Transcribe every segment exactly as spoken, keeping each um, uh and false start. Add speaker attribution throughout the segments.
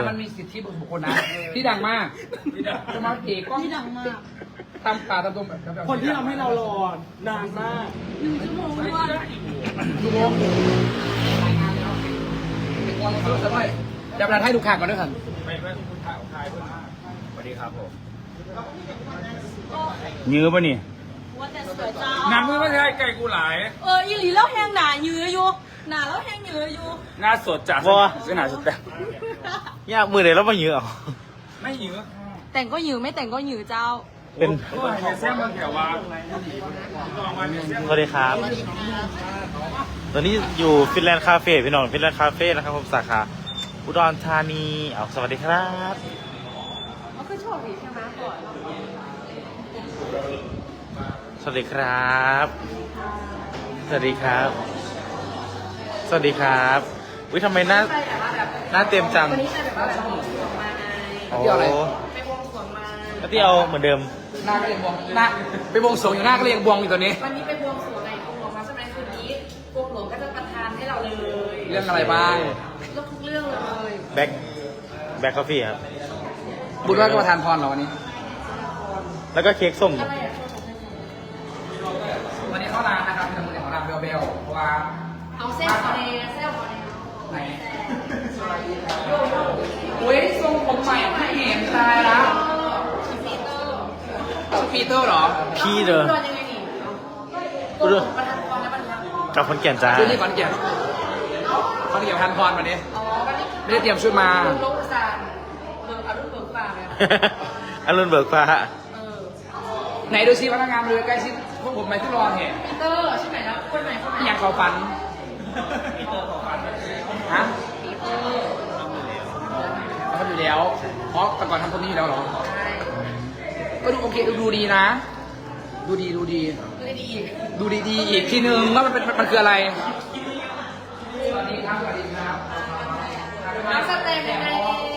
Speaker 1: มันมีสิทธิบุคคลนะที่ดังมากจะมาเอกก็
Speaker 2: ที่ดังมาก
Speaker 1: ตำป่าตำตรงแบบ
Speaker 3: คนที่ทำให้เรารอนานมาก
Speaker 2: หนึ่งชั่วโมงด้วย
Speaker 1: ดูโมงรายงานแล้วเป็นคนรู้สึกว่าจะมาให้ดูข่าวก่อนด้วยครับ
Speaker 4: ไปเพื่อนคุณถ่ายถ่ายเพื่อนสวัสดีครับผม
Speaker 5: ยื้อป่ะนี่
Speaker 2: ว่าแต่สวยจ้า
Speaker 4: น้ำมือไม่ใช่ไก่กูหลาย
Speaker 2: เอออีหลีแล้วแห้งหนาเยืออยู่หนาแล้วแห้งเยืออยู่
Speaker 4: หน้าสดจาก
Speaker 5: บ่
Speaker 4: สนามสแตม
Speaker 5: ยากมือเลยแล้วมายื้อเอา
Speaker 4: ไม่เยอะ
Speaker 2: แต่งก็หยือไม่แต่งก็หยือเจ้า
Speaker 5: เป็น
Speaker 4: โอ้ยเดี๋ยวแซมมันแถวว่าลองมาเนี่ยแซม
Speaker 5: สวัสดีครับ ตอนนี้อยู่ฟินแลนด์คาเฟ่พี่น้องฟินแลนด์คาเฟ่นะครับผมสาขาอุดรธานีเอาสวัสดีครับ
Speaker 2: เขาคือโชคดีใช่ไหมก่อน
Speaker 5: สวัสดีครับ สวัสดีครับ สวัสดีครับวิทำไมหน้าหน้าเต็มจังโอ้
Speaker 1: เที่ยวอะไร
Speaker 5: แล้วที่เอาเหมือนเดิม
Speaker 1: หน้าก็เรียงบวงหน้าไปบวงสรวงอยู่หน้าก็เรียงบวงอยู่ตัวนี้
Speaker 6: วันนี้ไปบวงสรวงไงกรมหลวงพระใช่ไหมคืนนี้กรมหลวงก็จะประทานให้เราเลย
Speaker 1: เรื่องอะไรบ้าง
Speaker 6: เรื่องทุกเรื่องเลย
Speaker 5: แบ็คแบ็คคอฟฟี่ครับ
Speaker 1: บุญว่าก็ประทานพรเหรอวันนี้
Speaker 5: แล้วก็เค้กส้ม
Speaker 1: วันนี้เข้าร้านนะครับเป็นมือของร้านเบลเบลเพราะว่า
Speaker 6: เอาเส้นคอเนเส้นคอเน
Speaker 1: ไหนอุ้ยทรงผมใหม่ไม่เห็นตายแล้วชื่อปีเตอร์เหรอ
Speaker 5: พี่เด้อ
Speaker 6: โดนยังไงนี่กรมหลวงประทานพรแล้วมันทำ
Speaker 5: กับคนแก่นจ้า
Speaker 1: ชื่อนี่ขอนแก่นขอนแก่นประทานพรวันนี้
Speaker 6: อ๋อวันนี้
Speaker 1: ไม่ได้เตรียมชุดมา
Speaker 6: ลงโลกประสานเบิกอรุณเบิกป่าเลย
Speaker 5: อรุณเบิกฟ้า
Speaker 6: เออ
Speaker 1: ไหนดูซิพนักงานเลยใกล้ชิดพวกผมไหมที่รอเห็น
Speaker 6: ปีเตอร์ใช่ไหมนะคนไหนคนไหน
Speaker 1: อยากขอฟันฮะ
Speaker 6: ปีเตอร์
Speaker 1: เขาอยู่แล้วเพราะแต่ก่อนทำคนนี้อยู่แล้วเหรอ
Speaker 6: ใช่
Speaker 1: ก็ดูโอเคดูดีนะ ดูดีดูดี
Speaker 6: ดูดีอีก
Speaker 1: ดูดีๆอีกทีนึงว่ามันเป็นมันคืออะไรสวัสดีครับสวัสดีครับ
Speaker 6: น้ำสเต็มยังไง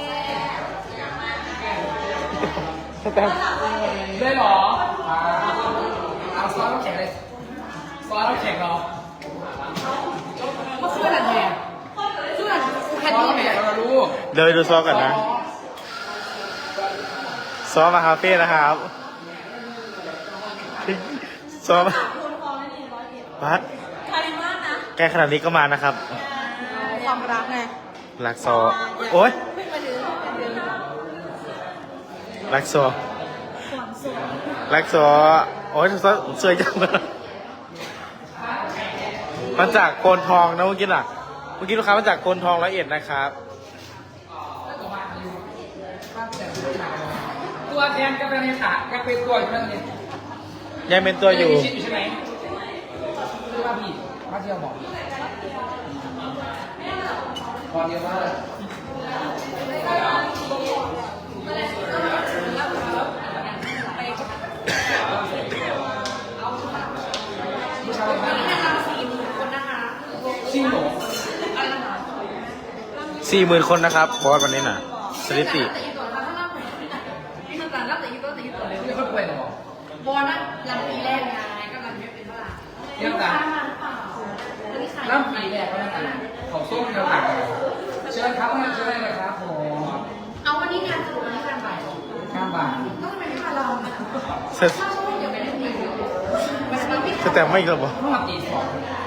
Speaker 1: ได้เหรออ่าเอาซอสน้ำแข็งเลยซอสน้ำแข็งเหรอ
Speaker 6: เมื่อคืนอะไรเนี่ยคืนอะไร
Speaker 1: ซ
Speaker 6: แค่
Speaker 1: อส
Speaker 6: นี้
Speaker 1: น้ำ
Speaker 6: ไหม
Speaker 1: แข็งเราลูก
Speaker 5: เดี๋ยวไปดูซอสกันนะ ซอสมาคาเฟ่นะครับ ซอสมาพัด
Speaker 2: คาริมานะ
Speaker 5: ใกล้ขนาดนี้ก็มานะครับ
Speaker 2: ความรักไง
Speaker 5: รักซอ โอ๊ย
Speaker 2: ไม่มาดื้อไม่มาดื้อ
Speaker 5: รักซอ
Speaker 2: ความสุข
Speaker 5: รักซอ โอ๊ยซอสวยจังเลยมาจากโกนทองนะเมื่อกี้น่ะ เมื่อกี้ลูกค้ามาจากโกนทองร้อยเอ็ดนะครับ
Speaker 1: ตัวแทนก็เป็นในขาก็เป็นตัวอยู่นั่นเอง
Speaker 5: ยังเป็นตัวอยู่
Speaker 1: มีชิดอยู่ใช่ไหมคือว่าพี่มาเที่ยวบอกพอเดียวว่าผู้ชายบ้าน
Speaker 6: สี่หมื่นคนนะคะ
Speaker 1: จริงเหรอ
Speaker 6: อะไรนะคะ
Speaker 5: สี่หมื่นคนนะครับบอสวันนี้น่ะ สถิติ
Speaker 6: แต่อีตัวถ้ารับถ้ารับรับแต่อีตัวแต่อีตัวเลย
Speaker 1: ไม่ค่อยป่วยหรอบ
Speaker 6: อลนะรันปีแรกไงก็รันไม่เป็นเท่าไหร่
Speaker 1: เรื่องต่าง
Speaker 6: วันนี้ขาย
Speaker 1: น้ำปีแรกก็แล้วกันของส้มเดียวต่างเชิญครับเชิญเลยครับผม
Speaker 6: เอาวันนี้งานสรุปวันนี้งานบ่าย
Speaker 1: ข้ามบาน
Speaker 6: ก็ทำไมไม่มาลอง
Speaker 5: ส
Speaker 6: ถ้าช่วงเดี๋ยวไม่ได้ดีวันนี้พี่
Speaker 5: สแต่ไม่อีกแล้วบอ
Speaker 1: เมื่อวันตีสอง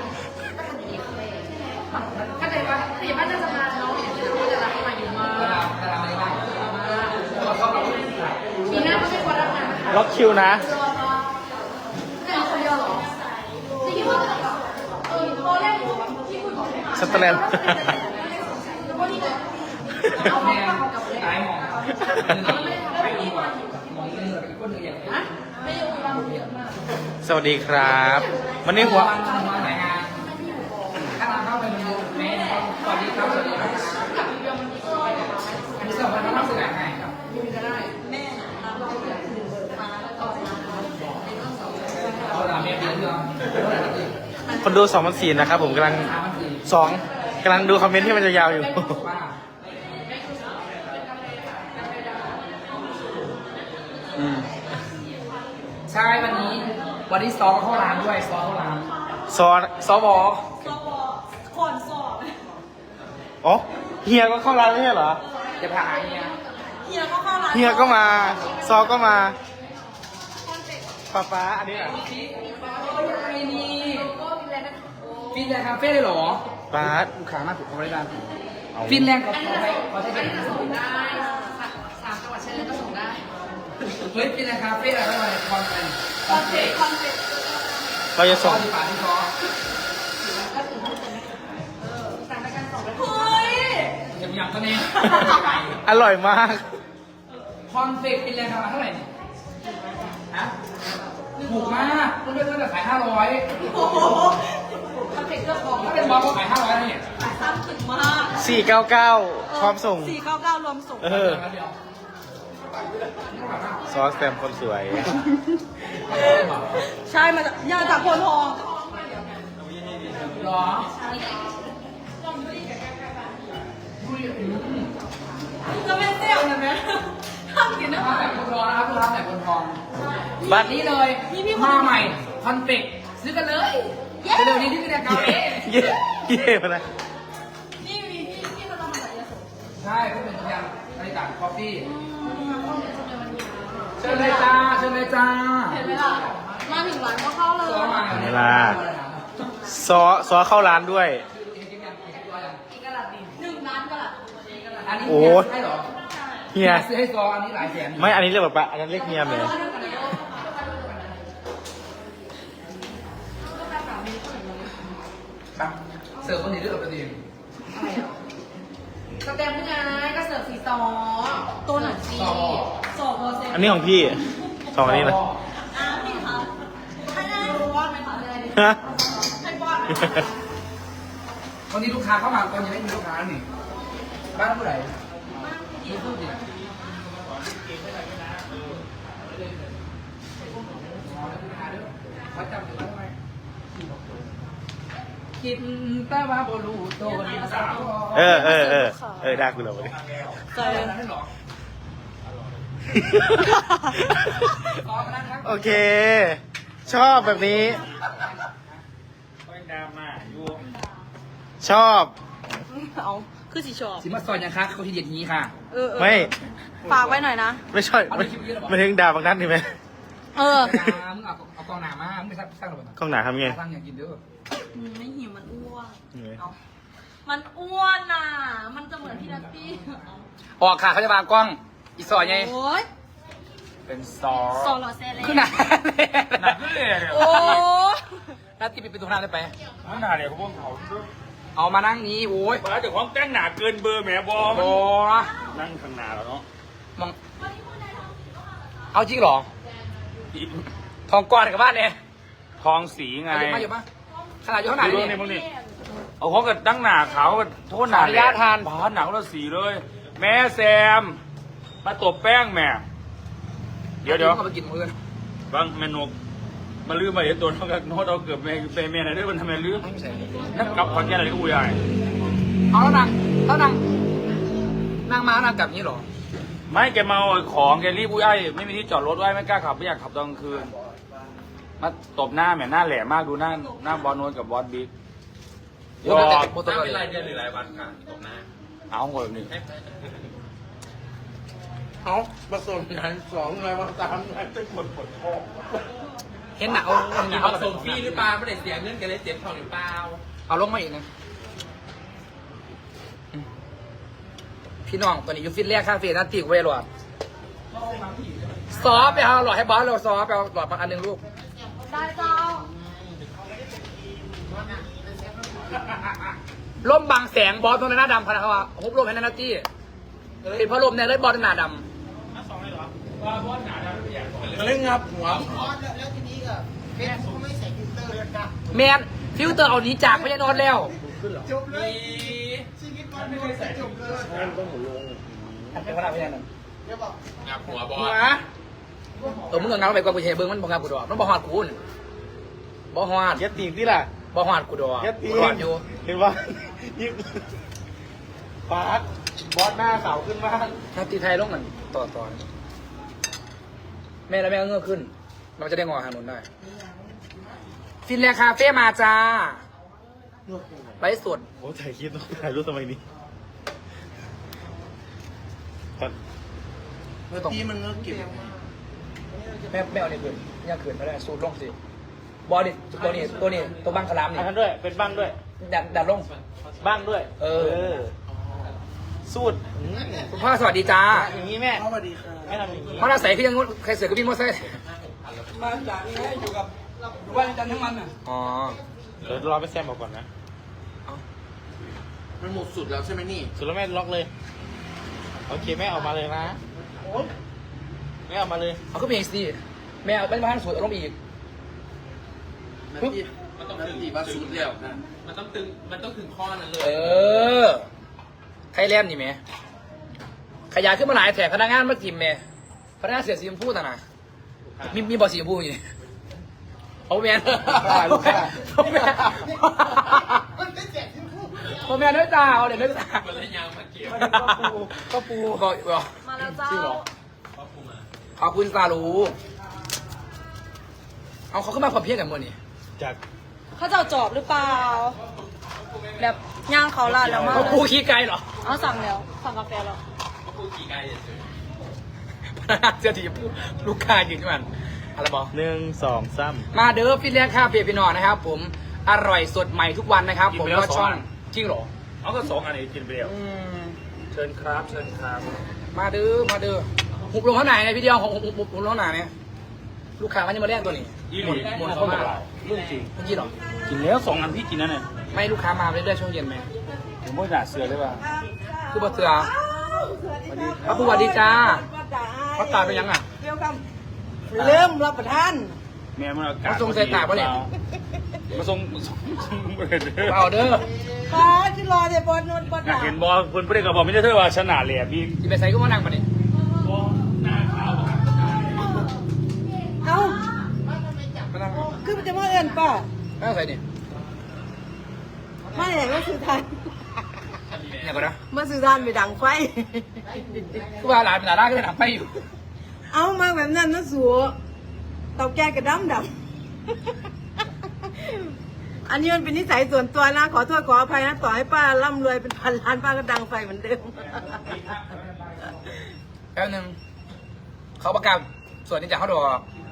Speaker 6: ก็เลยว่าถ้าอย่างนั้นจะมาน้องอย่างนี้นะก็จะรับมาอยู่มา
Speaker 1: เวลาเวลาไม่ได้เราเข้าไป
Speaker 6: ปีหน้าก็ไม่ควรรับงานนะคะ
Speaker 5: ล็อกคิวนะ
Speaker 6: รอรอแต่คนเดียวหรอจะคิดว่าเออโทรแรกที่คุยบอกให้มา
Speaker 5: สแตน
Speaker 6: แล้วก็นี่เลย
Speaker 1: เอาแม่ตายหมองไปดีกว่ามองเรื่องอีกคนหนึ่งอย่างนี้
Speaker 6: ไม่ยอมรับเยอะมาก
Speaker 5: สวัสดีครับวันนี้หัว
Speaker 1: วันวันไหนงานถ้าเราเข้าไปดูแม่สวัสดีครับสวัสดีครับอันนี้สองพันห้าร้อยสิบแปดไงครับเอาละแม่เดือนเดียว
Speaker 5: คนดูสองพันสี่นะครับผมกำลัง
Speaker 1: สามพันสี่
Speaker 5: สองกำลังดูคอมเมนต์ที่มันจะยาวอยู่
Speaker 1: ว่าอืมใช่วันนี้ วันนี้ซอเข้าร้านด้วยซอเข้าร้าน
Speaker 5: ซอน
Speaker 1: ซอบอ
Speaker 2: สอบก่อนสอบ
Speaker 5: อ๋อเฮียก็เข้าร้านไม่ใช่เหรอ
Speaker 6: ใ
Speaker 1: จะผ่านเฮีย
Speaker 2: เฮียก็เข้าร้าน
Speaker 5: เฮียก็มา ซอก็มาฟ้าฟ้าอันนี้อ่ะ
Speaker 1: ไอ้นี่ฟินแลนด์คาเฟ่เลยเหรอ
Speaker 5: ป๊าด
Speaker 1: ลูกค้ามากถูกเขาบริการ
Speaker 5: เอา
Speaker 1: ฟินแลนด์เขาใช้เขาใช้เป็น
Speaker 6: ได้สามจังหวัดชายแดนก็ส่งได้
Speaker 1: เฮ้ยฟินแลนด์คาเฟ่อะไรอะไรคอนเป็น
Speaker 6: คอนเซ็ปต์คอนเซ็ปต์
Speaker 5: เราจะ
Speaker 1: ซอ
Speaker 5: ส่ง
Speaker 1: ที่ฝาที่ซอ
Speaker 6: สั่งไปกันสองไป
Speaker 2: เฮ้ย
Speaker 1: ยังยังตัวนี้
Speaker 5: อร่อยมาก
Speaker 1: คอนเฟกฟินแลนด์ทำมาเท่าไหร่เนี่ยฮะถูกมากเพื่อนๆตั้งแต่ขายห้าร้อย
Speaker 2: โอ้โห
Speaker 6: คอนเซ็ปต์เรื่องของ
Speaker 1: ถ้าเป็นบอสก็ขายห้าร้อยแล้วเนี่ย
Speaker 2: ซ้ำถึงมาก
Speaker 5: สี่เก้าเก้าพร้อมส่ง
Speaker 2: สี่เก้าเก้ารวมส่ง
Speaker 5: เออ
Speaker 1: เดียว
Speaker 5: ซอสแซมคนสวย
Speaker 2: ใช่มาจากยาจากโพนทอง
Speaker 1: หรอ
Speaker 2: จะเป็นเสี่ยวนะแม่ทำกินได้ไหม
Speaker 1: ถ้าแต่คนรอนะครับลูกค้าแต่คนทอง
Speaker 5: บ้าน
Speaker 1: นี้เลยมาใหม่คอนเฟกซื้อกันเลยเร็วๆนี้ที่ฟินแลนด์คาเฟ่
Speaker 5: เย่เย่มาเลย
Speaker 2: นี่มีที่ที่เราทำมาจากยาสูบ
Speaker 1: ใช่เพื่อนเป็นตัวอย่างบริการคอฟฟี่เชิญเลยจ้าเชิญเลยจ้า
Speaker 6: เห็นไหมล่ะ มาถึงร้านก็เข้าเลย
Speaker 1: ซอมา
Speaker 5: เวลา ซอซอเข้าร้านด้วย
Speaker 6: อีกกระดาษดินหนึ่งล้านกระดาษ
Speaker 1: อันนี้
Speaker 5: โอ้
Speaker 1: ใช่เหรอ
Speaker 5: เฮีย
Speaker 1: ซื้อให้ซออันนี้หลายแสน
Speaker 5: ไม่ อันนี้เรียกแบบปะอันนั้นเรียกเฮียเลย
Speaker 1: ครับเสิร์ฟคนนี้ด้วยกับประเด็น
Speaker 6: สเต็มไงก็เสิร์ฟสีซอตัวหนังจี
Speaker 1: ซอ
Speaker 2: สองเปอร์เซ็นต์
Speaker 5: อันนี้ของพี่สองอันนี้นะ
Speaker 2: อ้าวพี่คะให้ได้รู้ว่าไหมคะเลย
Speaker 5: ฮะ
Speaker 2: ให้ป้อนไหมคะ
Speaker 1: วันนี้ลูกค้าเข้ามาตอนยังไม่มีลูกค้านี่บ้านผู้ใดมีผู้ดิวัดจำอยู่แล้วไหมกินแต่ว่าบรูโตนี่สาว
Speaker 5: เออเออเออเออได้คุณเราเลย
Speaker 2: ใจ
Speaker 1: นั่นหรอ
Speaker 5: โอเค ชอบแบบนี้
Speaker 4: ไม่ดราม่าอยู่
Speaker 5: ชอบ
Speaker 2: เอาคือสีชอบ
Speaker 1: สิมาซอยยังคะเขาทีเด็ดนี้ค่ะ
Speaker 2: เออเออ
Speaker 5: ไม่
Speaker 2: ฝากไว้หน่อยนะ
Speaker 5: ไม่ใช่ไม่ไม่ถึงด่าบางนัดนี่ไหม
Speaker 2: เออ
Speaker 1: มึงเอาเอากองหนามามึงไปสร้างสร้างระเบิด
Speaker 5: กล้องหนาทำไง
Speaker 1: สร้างอย่างกินเด้อ
Speaker 2: อืมไม่หิวมันอ้วน
Speaker 5: ยังไง
Speaker 2: เอามันอ้วนน่ะ มันจะเหมือนพี่นัตตี้เอา
Speaker 1: ออกค่ะเขาจะวางกล้องอีซอยไง
Speaker 2: โอ้ย
Speaker 1: เป็นซอ
Speaker 2: โซโลเซเล่
Speaker 1: ขึ้นหนา
Speaker 4: หนักขึ้นเลยเนี่ย
Speaker 2: โอ้
Speaker 1: นัดที่ปิดประตูหน้าได้ไป
Speaker 4: ข้างหน้าเนี่ยเขาพวกเขา
Speaker 1: เอามานั่งนี้โอ้ย
Speaker 4: บ้าแต่ของแต่งหนาเกินเบอร์แหมบอม
Speaker 1: โอ้
Speaker 4: นั่งข้างหน้าแล้วเนาะ
Speaker 1: มองเอาจริงเหรอ ทองก้อนกับบ้านเนี่ย
Speaker 4: ทองสีไง
Speaker 1: อยู่มาอยู่มาขนาดอยู่ข้างหน้า
Speaker 4: ดู
Speaker 1: นี่
Speaker 4: นี่มึงนี่เอาของกับตั้งหนาขาวกับโทษหนา
Speaker 1: ขออนุญาตทาน
Speaker 4: บ้านหนักแล้วสีเลย แม่แซม มาตบแป้งแม่ เดี๋ยวเดี๋ยว
Speaker 1: เอาไปกินเพื่อน
Speaker 4: บางแม่นก มาลืมไปเดี๋ยวตัวน้องกับโน้ตเอาเกือบแม่ไปแม่ไหนด้วยมันทำไมลืม
Speaker 1: ไม่ใช่
Speaker 4: นักกลับขอนแก่นอะไรก็อุ้ยใหญ่
Speaker 1: เอาแล้วนางแล้วนางนางมานางกลับนี้เหรอ
Speaker 4: ไม่แกเมาของแกรีบอุ้ยไอ้ไม่มีที่จอดรถไว้ไม่กล้าขับไม่อยากขับตอนกลางคืน มาตบหน้าแม่หน้าแหลมมากดูหน้าหน้าบอลโนนกับบอสบิ๊ก
Speaker 1: โอ้แต่แต่โปรโต
Speaker 7: เป็น
Speaker 1: คอล
Speaker 7: รายเดือนหรือรายวันครับตกหน้า
Speaker 4: เอาหมดแบบนี้
Speaker 3: เอาผสมกันสองเลยว่าสามเลยเป็นคนปวดท้อง
Speaker 1: เห็นหนาเอาเห็นห
Speaker 7: มี
Speaker 1: นา
Speaker 7: ผ
Speaker 1: เอา
Speaker 7: สมฟรีหรือเปล่าไม่ได้เสียเงินกันเลยเจ็บท้องหรือเปล่า
Speaker 1: เอาลงมาอีกนะพี่น้องตอนนี้อยู่ฟิตแรกคาเฟ่นัดตีกูไปหลอดซอฟไปเอาหลอดให้บอสเราซอฟไปเอาหลอดมาอันหนึ่งลูก
Speaker 6: ได้เจ้า
Speaker 1: ร่มบางแสงบอสตรงหน้าดำพนักเขาว่าฮุบร่มให้นัตตี้เป็นเพราะร่มเนี่ยเลยบอสหน้าด
Speaker 3: เล่นงับหัว
Speaker 1: ำแมนฟิลเตอร์เอานี้จากไม่ใช่นอนแล้ว เป็นพนักงานนั่น
Speaker 7: งับหัวบอ
Speaker 1: หั
Speaker 7: ส
Speaker 1: วเออมึงเอาเงาไปกว่ากูเฉยเบิ้งมันบอกงานกูดอกมันบอกฮอดกูนบอกฮอด
Speaker 5: ยัดตีนที่ล่ะ
Speaker 1: บอกฮอดกูดอก
Speaker 5: ยัดตีน
Speaker 1: กูฮอดอยู่
Speaker 5: เห็นว่ายิ่งปาร์ตบอสหน้าขาวขึ้นมาก
Speaker 1: นัตตี้ไทยลงกันต่อต่อแม่แล้วแม่ก็เงือกขึ้น มันจะได้งอหาหนุนได้ ฟินแลนด์คาเฟ่มาจ้าไลฟ์สด
Speaker 5: โอ้ถ่ายคลิปถ่ายรูปทำไมนี่ตอน
Speaker 1: เมื่อตรง
Speaker 3: ที่มันก็เก็บ
Speaker 1: แม่แม่เอาเนี่ยเกินเนี่ยเกินไม่ได้สูดลงสิบอลนี่ตัวนี้ตัวนี้ตัวบังคลามนี่
Speaker 5: อันนั้นด้วยเป็นบ้างด้วย
Speaker 1: ดันดันลง
Speaker 5: บ้างด้วย
Speaker 1: เออ
Speaker 5: สูตรอืม
Speaker 1: คุณพ่อสวัสดีจ้า
Speaker 5: อย่างนี้แม่
Speaker 3: สวัสดีค่ะ
Speaker 5: แม่ทำอย่างนี้
Speaker 1: พ่อเราใส่ขึ้นยังงุ้นใครเสือกกับพี่มดใส่
Speaker 8: มาจากนี้อยู่กับวันจันทร์ทั้งวันอ่ะ
Speaker 1: อ๋อ
Speaker 5: เดี๋ยวรอไปแซมบอกก่อนนะ
Speaker 3: มันหมดสุดแล้วใช่ไหมนี่
Speaker 5: สุดแล้วแม่ล็อกเลยโอเคแม่ออกมาเลยนะแม่ออกมาเลย
Speaker 1: เอาขึ้นไปอีกสิแม่เอาเป็นบ้านสูตรเอาลงอีก
Speaker 3: มันที่มันต้องถึงตีว่าสุดแล้วนะ
Speaker 7: มันต้องตึง มันต้องถึงข้อนั้นเลย
Speaker 1: เออไทยแลนด์นี่แม่ขยายขึ้นมาหลายแถบพนักงานมากิมแม่พนักงานเสียสีชมพูต่างนะมีมีบอสีชมพูอยู่นี่เอาแมนเอาแมนเอาแมนด้วยตาเอาเดี๋ยวด้วยตา
Speaker 7: มันเลยยาวมาเกี่ยว
Speaker 1: ก็ปูก็บอก
Speaker 2: มาแล้วเจ้า
Speaker 1: จริงเหรอขอบคุณซาลูเอาเขาขึ้นมาความเพียรกันหมดนี่
Speaker 5: จาก
Speaker 2: เขาจะเอาจอบหรือเปล่า แบบย่างเขาลาดแล้วมา
Speaker 1: เขาปูขี้ไกลเหรอ
Speaker 2: เอาสั่งแล้วสั่งกาแฟแล้ว
Speaker 7: ก็พูดกี่ไกลเฉย
Speaker 1: พนักงานเสียทีพูลูกค้ายืนขึ้นมาอะไรบอก
Speaker 5: หนึ่งสองสาม
Speaker 1: มาเด้อพี่เลี้ยงข้าวเปียกพี่นอนนะครับ ผมอร่อยสดใหม่ทุกวันนะครับ ผมก็ช่องจริงเหรอ
Speaker 4: เอาก็สองอันนี้กินไปแล้ว
Speaker 1: อืม
Speaker 4: เชิญครับเชิญครับ
Speaker 1: มาเด้อมาเด้อหุบลงเท่าไหร่เนี่ยพี่เดียวหุบหุบหุบหุบลงเท่าไหร่เนี่ยลูกค้ามันจะมาแลกตัวนี้
Speaker 4: ยี่
Speaker 1: ห
Speaker 4: ห
Speaker 1: ม
Speaker 4: ลี
Speaker 1: ดหมดเข้ามา
Speaker 4: เรื่องจริง
Speaker 1: เมื่อกี้เหรอ
Speaker 4: กินแล้วสองอันพี่กินนั่นน่ะ
Speaker 1: ไม่ลูกค้ามาเรื่อยๆช่วงเย็นไหม
Speaker 4: ผมไม่ด่าเสือเลยว่ะ
Speaker 1: คือบ่เสือพระผู้สวัสดีจ้าพระตาเป็นยังอ่ะ
Speaker 8: เกี่ยวกับเริ่มรับประทาน
Speaker 4: แม่มันอากาศ
Speaker 1: มาส่งใส่ตากปะเนี่ย
Speaker 4: มาส่งมาส่งส่งเบิดเด้อ
Speaker 1: เอาเด้อ
Speaker 8: ฟ้าที่รอเดี๋ยวบอลนนบอล
Speaker 4: อยากเห็นบอลเพิ่นเพิ่นก็บอกไม่ใช่เธอว่าชนะเลยอะพี่
Speaker 1: ที่ไปใส่ก็มานั่งปะเนี่ย
Speaker 4: บอลหน้าขาวครับ
Speaker 8: เอ้า
Speaker 1: มานั่ง
Speaker 8: คือมันจะมาเอินป่ะ
Speaker 1: นั่งใส่เนี่ย
Speaker 8: มาไหนมาสื่อทาน
Speaker 1: เนี่ยก็นะ
Speaker 8: มาสื่อทานไปดังไฟ
Speaker 1: คือว่าหลานหลานก็เลยหนักไปอยู่
Speaker 8: เอามาแบบนั้นนะสัวเตาแก๊สกระดำดำ อันนี้มันเป็นนิสัยส่วนตัวนะ ขอโทษขออภัยนะ ต่อให้ป้าร่ำรวยเป็นพันล้านป้าก็ดังไฟเหมือนเดิม
Speaker 1: แป๊บนึงเขาประกาศส่วนนี้จากเขาดอก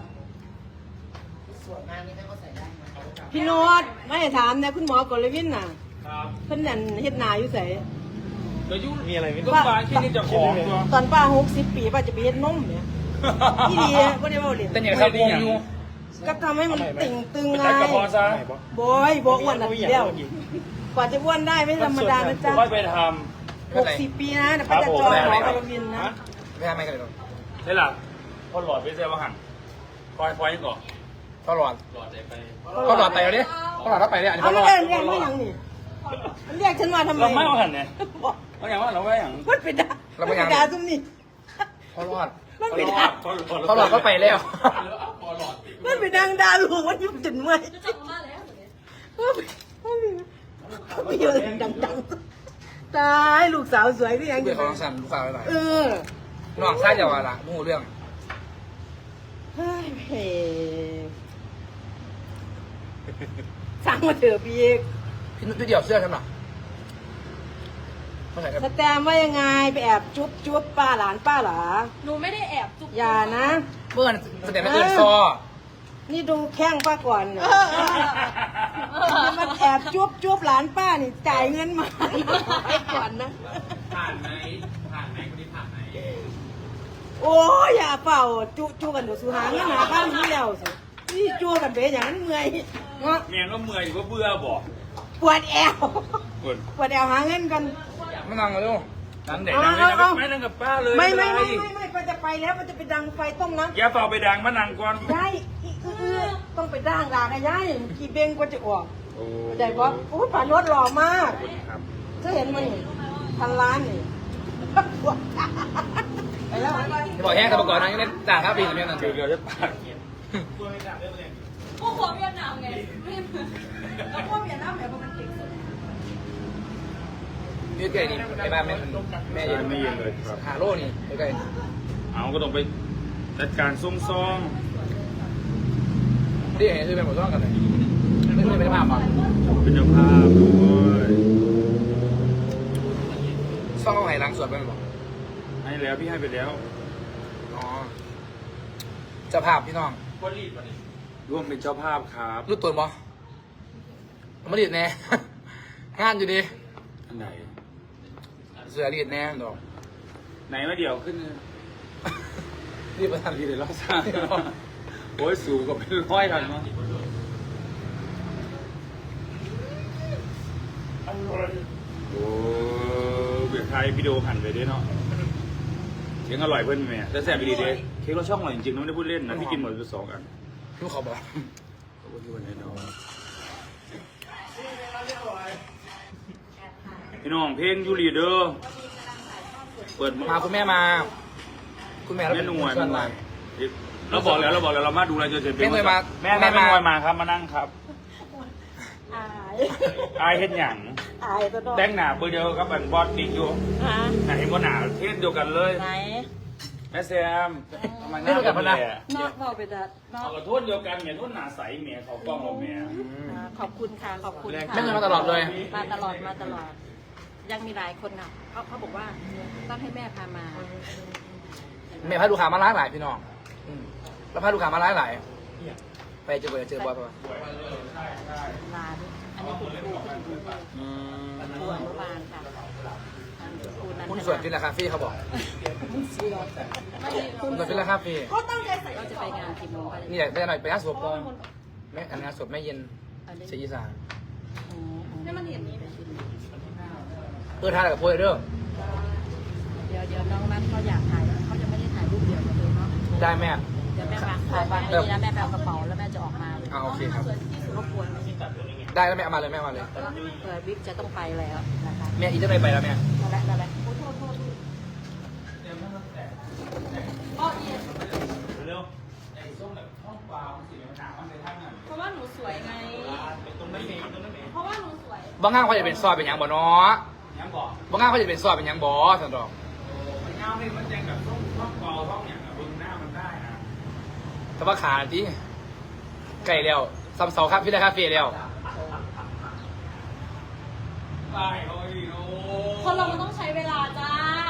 Speaker 8: พี่โน้ตไม่ให้ถามนะคุณหมอกลวินน่ะ
Speaker 4: ครับ
Speaker 8: เพิ่นนั่นเฮ็ดนาอยู่ไส
Speaker 4: เดี๋ยวยุ่ง
Speaker 5: มีอะไรไหม
Speaker 4: ก็บานแค่นี้จะของตัว
Speaker 8: ตอนป้าหกสิบปีป้าจะไปเฮ็ดนมเนี่ยที่ดีบ่ได้เว้าเล่น
Speaker 1: แต่เนี่ยเขาโกงอยู่
Speaker 8: ก็ทำให้มันติ่งตึง
Speaker 4: ไป
Speaker 8: ไง
Speaker 4: จัดกระเพาะซะ
Speaker 8: บอยบอกอ้วนน่ะเดียวกว่าจะอ้วนได้ไม่ธรรมดานะจ๊ะ
Speaker 4: ค่อยไปท
Speaker 8: หกสิบปีนะเดี๋ยวป้าจะจองหมอกลวินนะ
Speaker 1: ไม่ทำไม่กันเลยหรอก
Speaker 4: ำได้หลับพอหลอดไปเสียว่าหันคอยคอยก่อน
Speaker 1: เขาหลอด
Speaker 7: หลอดใจไป
Speaker 1: เขาหลอดไปแล้วเนี่ยเขาหลอดแล้วไปเนี่ยอันนี้
Speaker 8: เอา
Speaker 1: เขาหล
Speaker 8: แล้
Speaker 1: อ
Speaker 8: ว
Speaker 1: ด
Speaker 8: เรียกไม่ยังนี่มันเรียกฉันมาทำไม
Speaker 4: เราไม่เอาหันเนี่ยเราอย่างว่าเราไม่อย่าง
Speaker 8: มันไปด่ามันไปด่าซุ่มนี่
Speaker 1: เขาหลอด
Speaker 8: มันไปด่า
Speaker 1: เขาหลอดก็ไปแล้ว
Speaker 7: พอหลอด
Speaker 8: มันไปดังด่าลูกมันยุ่งจนเมื่อยมันไปมันไปเยอะดังๆตายลูกสาวสวยที่ยังอ
Speaker 1: เบื่อยู่ ของสันลูกสาวไป
Speaker 8: เออ
Speaker 1: น้องชายจะว่าละมู่เรื่อง
Speaker 8: เฮ้ยเฮ้สั่งมาเถอะพี่เอก
Speaker 1: พี่นุ๊กเดี่ยวเสื้อฉันหรอเขาใส่กัน
Speaker 8: สแตมว่ายังไงไปแอบจุ๊บจุ๊บป้าหลานป้าหลา
Speaker 2: หนูไม่ได้แอบจุก
Speaker 8: อย่านะ
Speaker 1: เมื่อแสดงไม่เกินซอ
Speaker 8: นี่ดูแข้งป้าก่อนจะมาแอบจุ๊บจุ๊บหลานป้านี่จ่ายเงินมาให้ก่อนนะ
Speaker 7: ผ่านไหมผ่านไหมคนนี้ผ่านไหม
Speaker 8: โอ้ยอย่าเป่าจุจุกันเดี๋ยวสูหาเงินหาบ้านนี้แล้วสินี่จุกันไปอย่างนั้นเมื่อยเนาะ
Speaker 4: เมียก็เมื่อยก็เบื่อบอก
Speaker 8: ปวดแอว
Speaker 4: ปวด
Speaker 8: ปวดแอวหาเงินกัน
Speaker 1: ไม่นั่งเลยลูก
Speaker 4: นั่นเด็กนั่งไม่นั่งไม่นั่งกับป้าเลย
Speaker 8: ไม่ไม่ไม่ไม่ไม่ป้าจะไปแล้วป้าจะไปดังไฟต้มน้ำ
Speaker 4: อย่าเฝ้าไปดังมานั่งก่อน
Speaker 8: ยายอีกคือต้องไปด่างด่างนะยายกี่เบงกว่าจะออก
Speaker 4: โอ้
Speaker 8: ได้ปะโอ้ยผ่านรถหล่อมาก
Speaker 4: ครับ
Speaker 8: เธอเห็นมันนี่พันล้านนี่ไปแล้ว
Speaker 1: จะบอกแห้งแต่ประกอบนั้นยังได้ด่าครับพี่แต่ไม่นั่น
Speaker 4: เดี๋ยวเดี๋ยวจะปาก
Speaker 2: พวกหัวเวียดนามไงแล้วพวกเวียดนามแบบมันเก่งสุด
Speaker 1: ยืดไก่นี่ไปบ้านแม่แม่ยืน
Speaker 4: ไม่เย็นเลยครับ
Speaker 1: หาโล่นี่ไก่
Speaker 4: เอาก็ต้องไปจัดการส่งซอง
Speaker 1: นี่เห็นคือเป็นหมดต้องกันเลยไม่ไม่เป็นภาพอ่ะ
Speaker 4: เป็นเจ้าภาพด้วย
Speaker 1: ซ่องเอาไหล้างสวดไปหรอ
Speaker 4: บให้แล้วพี่ให้ไปแล้ว
Speaker 1: อ๋อเจ้าภาพพี่น้อง
Speaker 7: ก็รีบมาดิ
Speaker 4: ร่วมเป็นเจ้าภาพครับ
Speaker 1: รู้ตัวบ่มาดีดแน่ งานอยู่ดี
Speaker 4: อันไหน
Speaker 1: เสือดีดแน่ดอก
Speaker 4: ไหนมาเดี๋ยวขึ้น
Speaker 1: รีบไปทำ
Speaker 4: ดีเลยรอบสร้างโอ้ยสูงกับเป็นร้อยทันมั้งโอ้เบียร์ไทยวิดีโอหันไปด้วยเนาะเค้กอร่อยเพื่อนแม่แต่แซ่บดีเด้เค้กเราช่องอร่อยจริงๆนะไม่ได้พูดเล่นนะพี่กินหมดไปสองอัน
Speaker 1: ลูกเขาบอก
Speaker 4: ขอบคุณที่วันนี้น้องพี่น้องเพลงยูรีเดอร์เปิด
Speaker 1: มาคุณแม่มา คุณแม่เรา
Speaker 4: แม่
Speaker 1: เป็น
Speaker 4: หน่วย
Speaker 1: เพื่
Speaker 4: แม่
Speaker 1: อน
Speaker 4: หน่ว
Speaker 1: มาย
Speaker 4: เราบอกแล้วเราบอกแล้วเรามาดูอะไรจะเสร็จ
Speaker 1: แม่หน่วยมา
Speaker 4: แม่
Speaker 1: แม่
Speaker 4: แม่
Speaker 1: มา
Speaker 4: หน่วยมาครับมานั่งครับ
Speaker 8: อาย
Speaker 4: อายเห็นหยัง
Speaker 8: อายตัวน้อง
Speaker 4: แดงหนาเบอร์เดียวกับอันบอสบิ๊กอยู่
Speaker 8: ฮะ
Speaker 4: ไหนบอสหนาเทศเดียวกันเลย
Speaker 8: ไหน
Speaker 4: แม่แซมทำไมหน้าแบบนี้
Speaker 8: นอกบอกไปแต่นอก
Speaker 4: เอากระโทษเดียวกันเมียโทษหนาใสเมียเขากล้องเราเมีย
Speaker 8: อ่าขอบคุณค่ะ ขอบคุณค่ะ
Speaker 1: แม่หน่วยมาตลอดเลย
Speaker 8: มาตลอดมาตลอด ยังมีหลายคนอ่ะเขาเขาบอกว่าต้องให้แม่พามา
Speaker 1: แม่พาลูกค้ามาร้ายหลายพี่น้องอืมแล้วพาลูกค้ามาร้ายหลายไปเจอไปเจอบอยไป
Speaker 8: ร้าน อันนี้คุณครูคุณครู
Speaker 1: อืม
Speaker 8: ครูอนุบาลค่ะครูนันท
Speaker 1: คุณ
Speaker 8: นา
Speaker 1: ส่วนฟิลลาคาเฟ่เขาบอกคุณส่วนฟิลลาคาเฟ่
Speaker 8: เราจะไปงานกี่โมงคะ
Speaker 1: นี่แหละไปหน่อยไปงานศพก่อนแม่อันงานศพแม่เย็นเสียอีสาน
Speaker 8: ให้มันเห็นนี้
Speaker 1: เพื่อทานกับโพยเด้อ
Speaker 8: เดี๋ยวเดี๋ยวน้องนัทเขาอยากถ่ายเขาจะไม่ได้ถ่ายรูปเดียวกันเลยเนาะ
Speaker 1: ได้แม่
Speaker 8: เดี๋ยวแม่วางถ่ายวางไว้นี่นะแม่แปลกระเป๋าแล้วแม่จะออกมาเลย
Speaker 1: อ่าโอเคครับ
Speaker 8: รบกวน
Speaker 1: ได้แล้วแม่เอามาเลยแม่เอามาเลย
Speaker 8: เปิดวิกจะต้องไปแล้วนะคะ
Speaker 1: แม่อีจะไม่ไปแล้วแม่
Speaker 8: นั่นแหละนั่นแหละโอ้โทษโทษ
Speaker 4: เร็วไอ้ส้มแบบท้องเปล่าสีมันหนามันเลยท่านอ่ะ
Speaker 2: เพราะว่าหนูสวยไง
Speaker 4: ตรงนั้นเองตรงนั้นเอง
Speaker 2: เพราะว่าหนูสวย
Speaker 1: บางงานเขาจะเป็นซอยเป็นหยังบ่เนาะ
Speaker 4: ยังบอก
Speaker 1: บางงานเขาจะเป็นซอยเป็นหยังบ่สันดอก
Speaker 4: มันเงาเลยมันแจงแบบท้องท้องเปล่าท้องอย่างบนหน้ามันได้นะ
Speaker 1: แต่ว่าขาที่ไก่แล้วซัมเสาครับพี่ได้คาเฟ่แล้ว
Speaker 4: ไปเขาอีกโอ้
Speaker 2: คนเรามันต้องใช้เวลาจ้า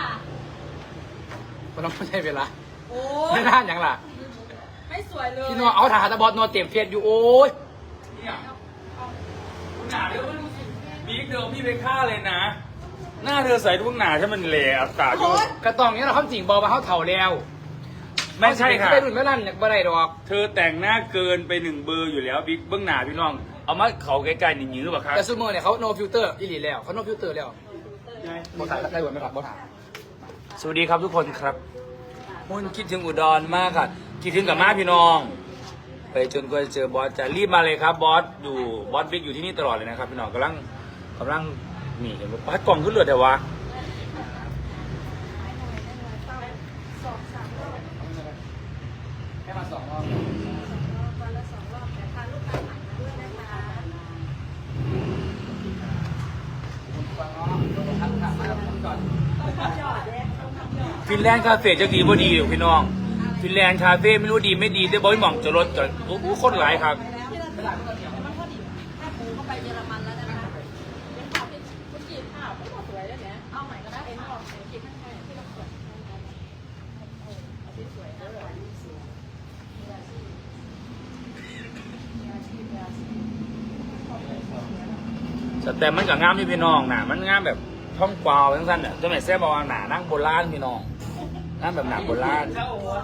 Speaker 1: มันต้องใช้เวลา
Speaker 2: โอ้
Speaker 1: ไม่นานหยังล่ะ
Speaker 2: ไม่สวยเลย
Speaker 1: พี่น้องเอาถ่ายตะบอสนอนเต็มเฟียดอยู่โอ้ย
Speaker 4: เนี่ยหนาเดี๋ยวบิ๊กเดิมพี่ไปฆ่าเลยนะ หน้าเธอใส่ทุกหนาใช่มันเหล่อัตราอยู่
Speaker 1: กระตองเนี้ยเราความจริงบอกว่าเขาเถ่าแล้ว
Speaker 4: ไม่ใช่ค่ะ
Speaker 1: ไปรุ่นไม่นั่นเนี่ยบ่ได้ดอก
Speaker 4: เธอแต่งหน้าเกินไปหนึ่งเบอร์อยู่แล้วบิ๊กเบื้องหน้าพี่น้อง เอามาเขาใกล้ๆหนิงๆหรือเปล่าครับ
Speaker 1: แต่ซูเมอร์เนี่ยเขา no filter อีหลีแล้วเขา no filter แล้วบอถ่ายได้หมดไหมครับบอถ่าย
Speaker 4: สวัสดีครับทุกคนครับมุนคิดถึงอุดรมากค่ะคิดถึงกับมาพี่น้อง ไปจนกว่าจะเจอบอสจะรีบมาเลยครับบอสอยู่บอสบิ๊กอยู่ที่นี่ตลอดเลยนะครับพี่น้องกำลังกำลังนี่เห็นว่าปัดกล่องขึ้นเลือดแต่วะ
Speaker 1: แค่มาสองรอบ
Speaker 6: วันละสองรอบแต่พาลูกค้าผ่านมาด้วยนะคะ
Speaker 4: ฟินแลนด์คาเฟ่จะดีบ่ดีอยู่พี่น้องฟินแลนด์คาเฟ่ไม่รู้ดีไม่ดีแต่บอยหม่องจะรถจะโอ้โหคนหลายครับ
Speaker 8: ถ้าปูเข้าไปเยอรมันแล้วนะคะเป็นภาพเป็นคุณจีบภาพไม่สวยแล้วเนี่ยเอาใหม่ก็ได้เอ็นออกเสียงจีบข้างๆที่เราเปิดเอาที่สวยแล้วสวยสวยมีอาชีพมีอาชีพมีอาชีพ
Speaker 4: แต่มันกับงามที่พี่น้องหนามันงามแบบท่องกวาวทั้งสั้นเนี่ยจะไม่แซ่บบอกว่าหนานั่งโบราณพี่น้องนั่งแบบหนาโบราณ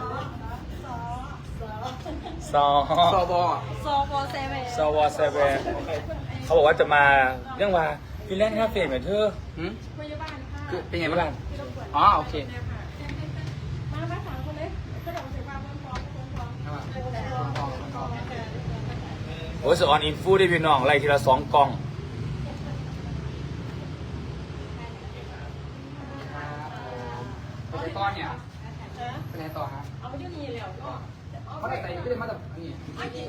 Speaker 4: ซอ
Speaker 1: ซอบอ
Speaker 2: โซโฟเซเว่น
Speaker 4: ซอวอเซเวเขาบอกว่าจะมาเรื่องว่าฟินแลนด์คาเฟ่เหมือนเธอ
Speaker 1: หืม
Speaker 2: พยาบาลค่ะ
Speaker 1: คือเป็นไงบ้างอ๋อโอเค
Speaker 2: มามาสามคนเลยกระโดดใส่ปากพร้อมๆพร้อม
Speaker 4: โอ้ยสออนอินฟูได้พี่น้องไล่ทีละสองกล่อง
Speaker 1: ไปต่อเนี่ยไปไหนต่อฮะ
Speaker 2: เอาไปที่นี่แล้วก็
Speaker 1: เขาได้ใจก็ได้มาจากนี่
Speaker 2: อันนี้